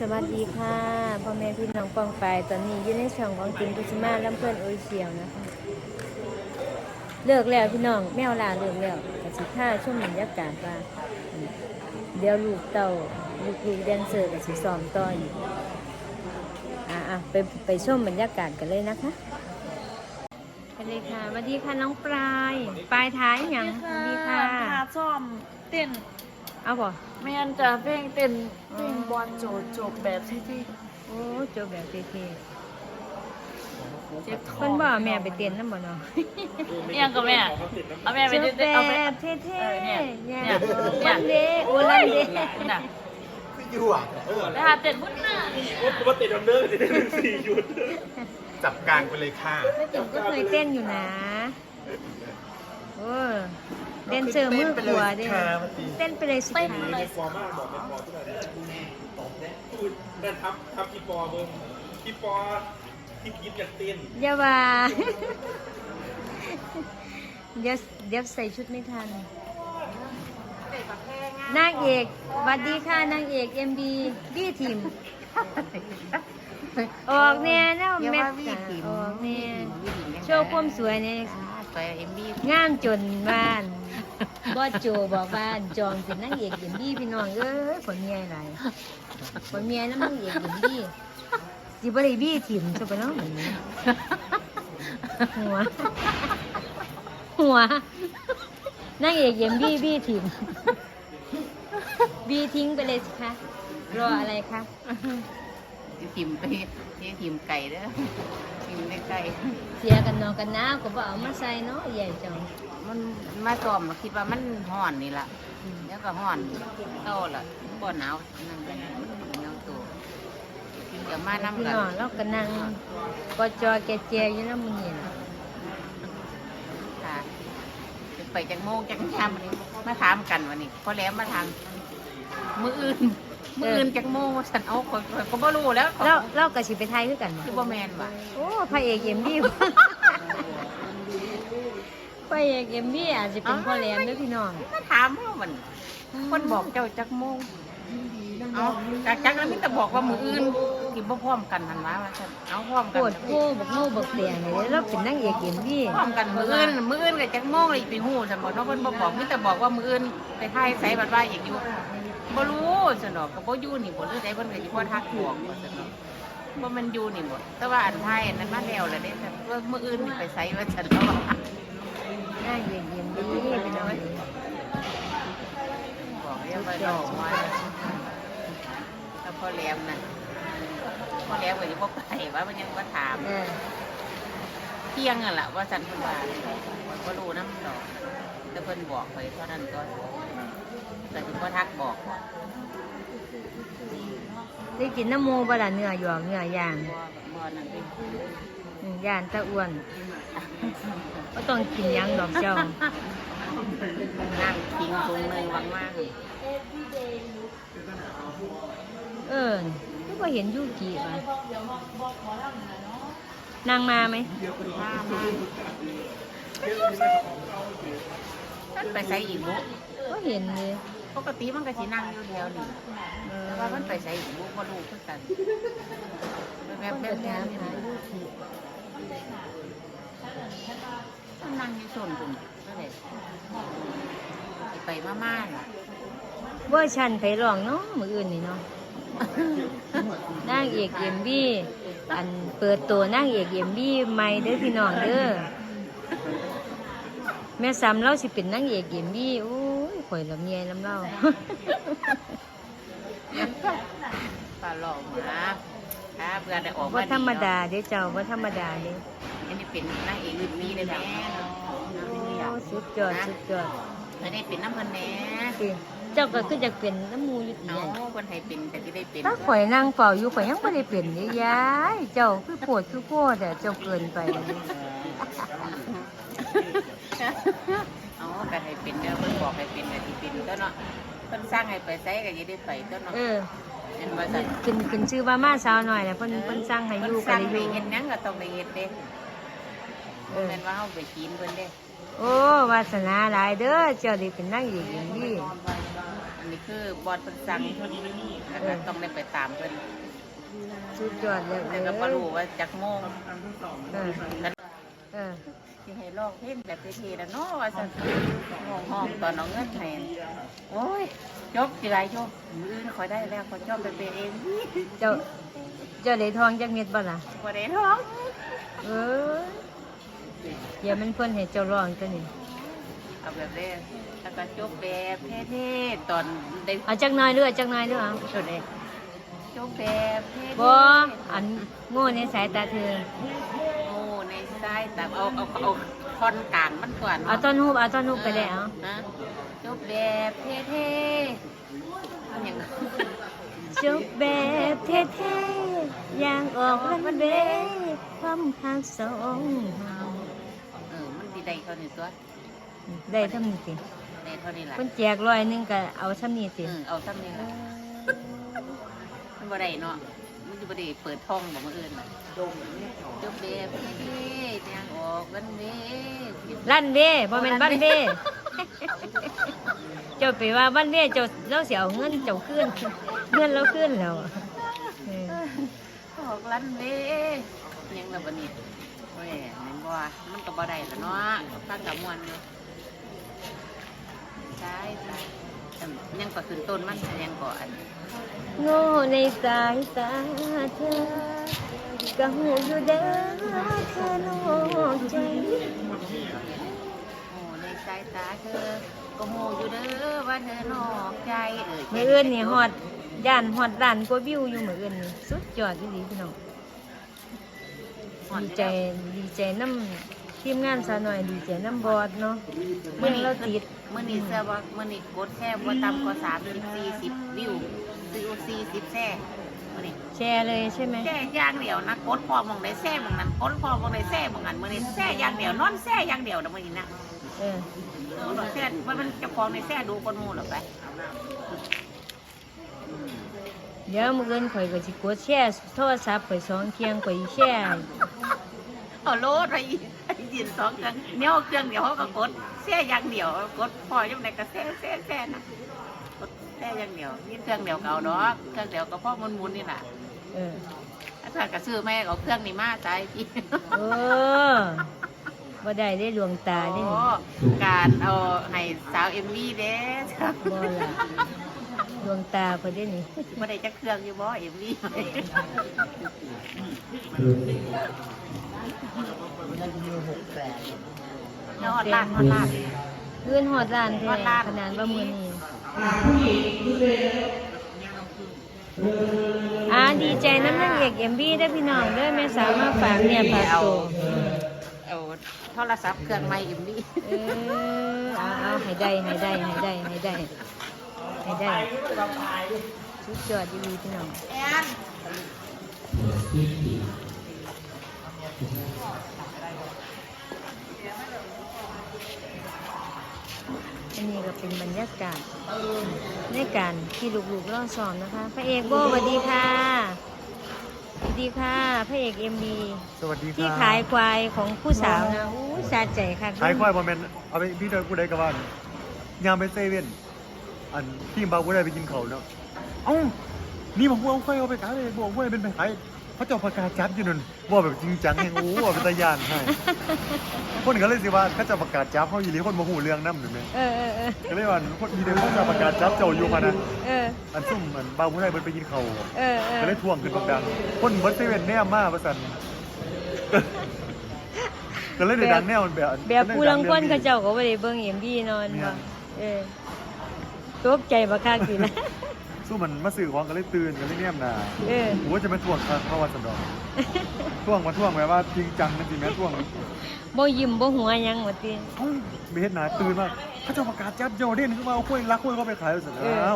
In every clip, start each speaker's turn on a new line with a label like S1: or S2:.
S1: สวัสดีค่ะพ่อแม่พี่น้องปองไปตอนนี้อยู่ในช่องของจิมกุชิมาลำเพื่อนโอเชียวนะคะเลิกแล้วพี่น้องแมวลาเลิกแล้วกสิท่าช่วงบรรยากาศว่าเดี๋ยวลูกเต่าลูกแดนเซอร์กับสิซ้อมต่ออยู่ไปชมบรรยากาศกันเลยนะคะไปเลยค่ะสวัสดีค่ะน้องปลายท้ายอย่างสวัสดีค่ะ
S2: พาซ้อมเต้น
S1: เอาบ่
S2: แม่นจะเพลงเต้นเพลงบอลโจบแบบที่
S1: โอ้โจบแบบเท่
S2: เจ็บท้อง
S1: เพิ่นบ่แม่ไปเต้นนำบ่เนาะ
S2: ยังกับแม่เอาแม่ไปเต้นเอา
S1: แบบเท่
S2: เนี่ย
S1: วันเดย์โอลันเดย์
S2: น่ะ
S3: อยู่อ่ะ
S2: แล้วหาเต้นมุดหน้า
S3: ผมว่าติดดำเนินติด4 ชุดจับกลางไปเลยค่ะ
S1: ผมก็เคยเต้นอยู่นะโอ้เต้นเจอมือขวาเด้เต้นไปเลยสุดท้าย
S3: ฟอร์มากบอกเป็นฟอร์ที่ไหนนั่นทับพี่ปอเบิ้งพี่ปอที่คิดอยากเต้น
S1: อย่าว่าเดี๋ยวใส่ชุดไม่ทันนางเอกสวัสดีค่ะนางเอก MB บี้ทีมออกแน่แล้วแม่ออกแน่โชว์ความสวยเนี่ยงามจนบ้านบอสโจบอกบ้านจองเป็นนางเอก MB พี่น้องผลเมียอะไรผลเมียน้ำนางเอก MB สิบริบี้ทีมใช่ปะเนาะหัวนางเอก MB บี้ทีมบีทิ้งไปเลยสิคะรออะไรคะ
S4: ทิมไปทิมไก่เด้อทิมในไก่
S1: เสียกันนอนกันน้ำก็บอกเอามาใส่เนาะใหญ่จัง
S4: มันมาซ้อมคิดว่ามันห่อนนี่ล่ะแล้วก็ห่อนโตล่ะบ่หนาวนั่งกันหนาวตัวเดี๋ยวมาน้ำกัน
S1: แล้วก็นั่งก็จอแกอยู่แล้วมึงเห็น
S4: ค่ะไปจังโมงจังชามวันนี้มาถามกันวันนี้พอแล้วมาถามมืออื่นจังโมงฉันเอาก็บ่รู้แล้ว
S1: เรากับสิไปไทยคือกัน
S4: คือบ่แมนว่ะ
S1: โอ้พระเอกเอ็มบี้พระเอกเอ็มบี้อาจจะเป็นพ่อแหลมด้วยพี่น้อง
S4: มาถามเขามันคนบอกเจ้าจักโมงเอาจักแล้วมิแต่บอกว่ามืออื่นที่บ่พร้อมกันทันว่าฉันเอาพร้อมกัน
S1: โคตรโง่บักโง่บักเตียงเลยแล้วเป็นนางเอกเอ็มบี้
S4: พร้อมกันมืออื่นกับจักโมงเลยไปหูฉันบอกน้องเพิ่นบ่บอกมิแต่บอกว่ามืออื่นไปไทยใส่บัดว่าอย่างอยู่บ่รู้ฉันดอกก็บ่อยู่นี่บ่หรือใดเพิ่นก็สิบ่ทักบอกว่าฉันดอกบ่มันอยู่นี่บ่แต่ว่าอันไทยอันนั้นมาแล้วล่ะเด้ว่ามื้ออื่นนี่ไปไสว่าฉันแล้วว่
S1: านางเอกเอ็มบี้เป็นน้อย
S4: บอกเรียกว่าดอกมาแล้วพอแหลมน่ะพอแหลมก็สิบ่ไปว่ามันยังบ่ถามเที่ยงนั่นล่ะว่าฉันเพิ่นว่าบ่รู้นำดอกแต่เพิ่นบอกไปเท่านั้นก็แต่ถึงพ่อทักบอก
S1: ได้กินน้ำมูบะละเนื้อหยวกเนื้อย่างย่านตะอ้วนก็ต้องกินยังดอกเจ้า
S4: นั่งกินตรงนึงว่างมาก
S1: ก็เห็นยูกิป่ะนางมาไหม
S4: ท่านไปใส่อีกบุ
S1: ก็เห็นเลย
S4: ปกติมันก็สินั่งอยู่เดียวนี่แต่ว่ามันไปใส่อีกบุบ่รู้คือกันแบบนี่มันนั่งอยู่โซนตรงนี้ก็เลยไปม่าๆล่ะ
S1: เวอร์ชันไผร้องเนาะมื้ออื่นนี่เนาะนางเอกเอ็มบี้อันเปิดตัวนางเอกเอ็มบี้ใหม่เด้อพี่น้องเด้อแม่ซ้ำเราสิเป็นนางเอกเอ็มบี้โอ้ยข่อยลำเนียลำเล่า
S4: ปลาหลอกมาครับเพื่อได้ออกมา
S1: ว่าธรรมดาเด้เจ้าว่าธรรมดาเด้
S4: อันนี้เป็นนางเอกเอ็มบี้เลยแม่
S1: สุดยอด
S4: อันนี้เป็นน้ำพันแหน่
S1: เจ้าก็คือจะเป็นน้ำมูอยู่ดี
S4: คนไทยเป็นแต่ที่ได้เป็น
S1: ถ้าข่อยนั่งเฝ้าอยู่ข่อยยังไม่ได้เป็นเลยยายเจ้าคือโพดแต่เจ้าเกินไป
S4: ก็ให้เป็นเด้อเพิ่นบอกให้เป็นแต่ที่เป็นตัวเนาะเพิ่นสร้างให้ไปใส่ก็ยังได้ไปตัวเนาะเห็นว่าซั่น
S1: ขึ้นชื่อว่ามาสาวหน่อยแหละเพิ่นสร้างให้อยู่
S4: ก็ได้อยู่เฮ็ดหยังก็ต้องได้เฮ็ดเด้แม่นว่าเฮาไปกินเพิ่นเด้
S1: โอ้วาสนาหลายเด้อเจ้าได้เป็นนางเอกอย่างนี้
S4: อันนี้คือบอลเป็นสั่งแล้วก็ต้องได้ไปตามเพิ่น
S1: สุดยอดเลย
S4: แต่ก็บ่รู้ว่าจักโมง
S1: เออเออ
S4: สิให้ลอกเพลงแบบเท่ๆแล้วเนาะว่าซั่นห้องตอนน้องเงินให้โอ้ยจบสิไรจบอื่นขอยได้แล้วขอยชอบไปเป็นเอง
S1: เจ้าได้ทองจักเม็ดบ่ล่ะ
S4: บ่ได้ท้อง
S1: เออเดี๋ยวมันเพิ่นให้เจ้าร้องตัวนี้
S4: เอาแบบนี้แล้วก็จบแบบเท่ๆตอนได้
S1: เอาจักหน่อยเด้อจักหน่อยเด้อเอา
S4: สุดเลยจบแบบเท่ๆ
S1: บ่อันโง่ในสายตาเธอ
S4: โอ้ในสายแต่เอาท่อนกลางมันก่อน
S1: เอาต้นฮูบไปแล้ว
S4: นะจบแบบเท่ๆมันอย่าง
S1: จบแบบเท่ๆอย่างออกวันเวความหักสองเฮา
S4: มันดีได้เท่านี้ตัว
S1: ได้เท่านี้สิ
S4: ได้เท่านี้แหละ
S1: เพิ่นแจก100ก็เอาเท่านี้สิ
S4: เอาซ้ำนี่ละมันบ่ได้เนาะมันจะบ่ได้เปิดท้องบอกมาอื่นน่ะจบแบบเท่ๆอย่างออกวันเว
S1: ลั่นเด้บ่แม่นบ้านเด้เจ้าไปว่าบ้านเด้เจ้าเราสิเอาเงินเจ้าคืนเงินเราคืนแล้วเออ
S4: ออกลันเวยังแบบนี้โอ้ยมันบ่มันก็บ่ได้ละเนาะฟังกับมวนอยู่ใช่ยังก็ขึ้นต้นมันยังก่อน
S1: โง่ในสายตาเธอก็หูอยู่เด้อเธอนอกใจ
S4: โอ้ในสายตาเธอก็โหอยู่เด้อว่าเธอนอกใจ
S1: มื้ออื่นนี่ฮอดย่านฮอดล้านกว่าวิวอยู่มื้ออื่นนี่สุดยอดอีหลีพี่น้องดีใจนำทีมงานซะหน่อยดีใจนำบอสเนาะเมื่อเราติด
S4: มื้อนี้เสื้อว่ามื้อนี้กดแค่บ่ต่ำกว่า30-40วิว40แซ่มื้อนี้
S1: แชร์เลยใช่ไหม
S4: แซ่อย่างเดียวนะกดพอมองได้แซ่มองนั้นกดพอมองได้แซ่มองนั้นมื้อนี้แซ่อย่างเดียวนอนแซ่อย่างเดียวนะมื้อนี้นะ
S1: เออ
S4: แซ่มันเจ้าของในแซ่ดูคนหมู่หรอไป
S1: เดี๋ยวมื้ออื่นข่อยก็สิกดแชร์โทรศัพท์ข่อย2เที่ยงข่อยสิแชร์
S4: เอาโลดไปยืนสองเครื่องเนี้ยเครื่องเดียวเขาก็กดแซ่อย่างเดียวกดพอยังไงก็แซ่นะกดแซ่อย่างเดียวนี่เครื่องเดียวเก่าดอกเครื่องเดียวก็พ่อมุนนี่แหละ
S1: เออ
S4: อาจารย์ก็ซื้อแม่เอาเครื่องนี้มาใจพี่
S1: เออบ่ได้ได้ดวงตาได้นี่
S4: การเอาให้สาวเอ็มวีเด้
S1: บ่ล่ะดวงตาเพิ่นได้นี่
S4: บ่ได้จักเครื่องอยู่บ่เอ็มวียอดลาด
S1: เงินฮอดล้านแท้
S4: ฮอดล้าน
S1: ขนาดว่ามื้อนี้ดีใจนำนางเอก MV ได้อพี่น้องเด้อแม่สาวมาฝากเนี่ยฝากตัว
S4: เอาโทรศัพท์เครื่องใหม่เอ็มวี
S1: เออเอาให้ได้สุดยอดดีพี่น้อง
S4: แอน
S1: อันนี้ก็เป็นบรรยากาศในการที่ลูกๆรอซ้อมนะคะพระเอกโบสวัสดีค่ะสวัสดีค่ะพระเอก MV
S5: สวัสดีครับ
S1: ที่ขายควายของผู้สาวนะอู้สาใจค่ะ
S5: ขายควายบอมเมนเอาไปพี่เดินกูได้กับว่ายามไปเซเว่นอันที่บากูได้ไปกินเขาวเนาะเอ้านี่บอกว่าเอาควายเอาไปขายเลยบอกว่าเป็นไปขายเขาจะประกาศจับอยู่นั่นว่าแบบจริงจังยังโอ้ว่าเป็นตายานให้คนก็เลยสิว่าเขาจะประกาศจับเขาอยู่หรือคนมาหูเรื่องน้ำหรือไง
S1: เออ
S5: ก็เลยว่าคนมีเดินเขาจะประกาศจับเจ้าอยู่มานะ
S1: เออ
S5: อันซุ่มอันบากูได้ไปกินเขาว
S1: เออ
S5: ก็เลยทวงขึ้นดังคนเบิร์ดเซเว่นแนมมาประสันก็เลยในดังแนวมันแบบ
S1: แบบผู้ลังคนเขาเจ้าก็บ่ได้เบิ่ง MV นอนบ่เออตกใจบักคักสินะ
S5: สู้มันมาสื่อของก็เลยตื่นก็เลยแนมหนา
S1: เออ
S5: โอ้จะมาทวงเข้าวันสันดอกท่วงมาท่วงแบบว่าจริงจังนะจริงไหมท่วง
S1: บ่ยิ้มบ่หัวหยังว่าติ
S5: เอ้าไม่เห็นหนาตื่นมาเขาจะประกาศจับโยเด่นขึ้นมาเอากล้วยรักกล้วยเขาไปขายสุดแล้ว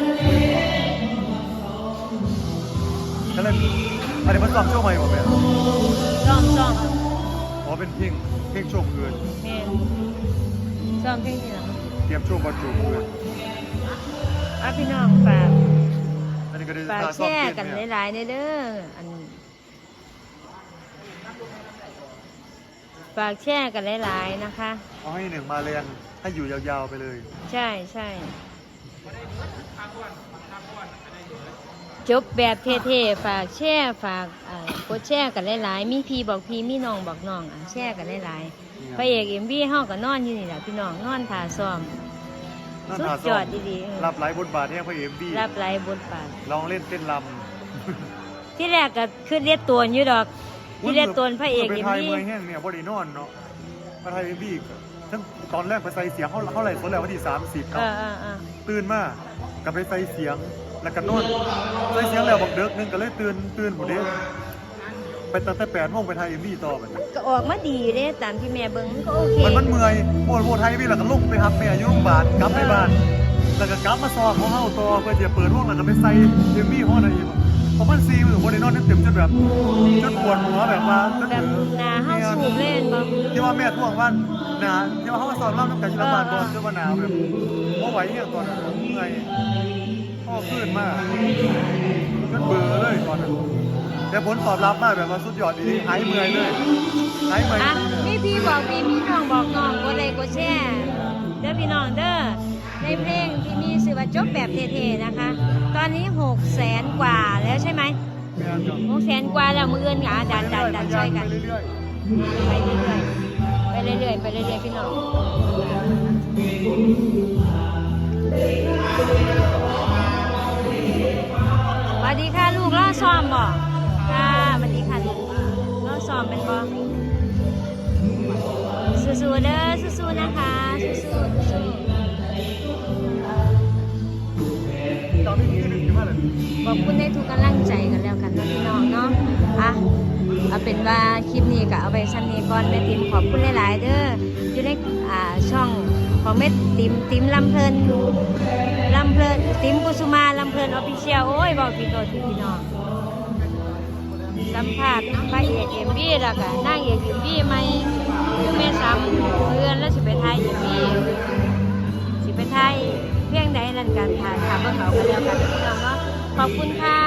S5: ก็เลยอันนี้มันซ้อมโชว์ใหม่หมดเลย
S1: ซ้อม
S5: อ๋อเป็นเพลงโชว์คืน
S1: แม่นซ้อมเพลงที่หลัง
S5: เตรียมโชว์บอลจูคืน
S1: พี่น้องฝาก
S5: อันนี้ก็ได้
S1: ฝาก
S5: ซ้
S1: แช
S5: อม
S1: ร์
S5: เต้น
S1: กัน
S5: เนี่ย
S1: หลายๆเด้ออันฝากแชร์กันหลายๆนะคะ
S5: เอาให้หนึ่งมาแรงให้อยู่ยาวๆไปเลย
S1: ใช่จบแบบเท่ๆฝากแชร์ฝากกดแชร์กันหลายๆมีพี่บอกพี่มีน้องบอกน้องแชร์กันหลายๆพระเอก MV เฮาก็นอนอยู่นี่แหละพี่น้องนอนท่าซ้อมสุดยอดดีๆ
S5: รับหลายบทบาทเนี่ยพระเอ็มบี
S1: รับหลายบทบาท
S5: ลองเล่นเต้นล
S1: ที่แรกก็คือเรียกตัวอยู่ดอก
S5: ำ
S1: ที่เรียกตัวพระเอก
S5: ไป
S1: เอ็ม
S5: ไทย
S1: วี
S5: เมืองแห้งเนี่ยบริโนอนเนาะมาไทยเอ็มบีทั้งตอนแรกไปใส่เสียงเขาไหร่สดแล้ววันที่30ครับตื่นมากลับไปใส่เสียงแล้วก็นอนใส่เสียงแล้วบอกเด็กนึงก็เลยตื่นหมดเด้ไปตั้งแต่8 โมงไปไทยเอ็มบีต่อไป
S1: ก็ออกมาดีเด้ตามที่แม่เบิ่งมันก็โอเค
S5: มันเมื่อยโบไทยพี่แล้วก็ลุกไปครับแม่อยู่โรงพยาบาลกลับไปบ้านแล้วก็กลับมาซ้อมของเฮาต่อเพื่อจะเปิดห้องแล้วก็ไปใส่เอ็มบีห้องอะไรอีกเพราะมัน4 มื้อบริโนอนเต็มจนแบบจนปวดหัวแบบว่า
S1: แบบหนาเฮาสูบเล่นบ่
S5: ที่ว่าแม่ท่วงว่าหนาที่ว่าเขามาสอนเล่าน้ำกันชิลบาลก่อนที่ว่าหนาวแบบเพราะไหวเนี่ยตอนนั้นเมื่อยพ่อขึ้นมากก็เบื่อเลยตอนนั้นแต่ผลตอบรับมากแบบว่าสุดยอดดีหายเมื่อยเลยหายเมื่อย
S1: อ่ะมีพี่บอกพี่มีน้องบอกน้องกดไลค์กดแชร์เด้อพี่น้องเด้อในเพลงที่มีชื่อว่าจบแบบเท่ๆนะคะ ตอนนี้600,000 กว่าแล้วใช่ไหม
S5: แม่จ้ะ
S1: 600,000 กว่าแล้วมืออื่นก็ดันช่วยกัน
S5: ไปเรื่อย
S1: ไปเรื่อยๆพี่น้องสวัสดีค่ะลูกล่อซ้อมบ่ค่ะสวัสดีค่ะลูกล่อซ้อมเป็นบ่สู้ๆเด้อสู้ๆนะคะสู้ๆ
S5: ตอนนี้คือหนึ่งใช่ไหมล่ะ
S1: ขอบคุณในทุกกำลังใจกันแล้วกันนะพี่น้องเนาะอ่ะเอาเป็นว่าคลิปนี้ก็เอาไปชั้นนี้ก่อนแม่ติ๋มขอบคุณหลายๆเด้ออยู่ในช่องของแม่ติ๋มลำเพลินติ๋มกุสุมาลำเพลินออฟฟิเชียลโอ้ยบอกพี่โตพี่น้องสัมภาษณ์พระเอกMVแล้วก็นางเอกMVใหม่คือแม่ซ้ำเพื่อนแล้วสิไปถ่าย MV สิไปถ่ายเพียงใดนั่นกันค่ะเบิ่งเอากันแล้วกันพี่น้องเนาะขอบคุณค่ะ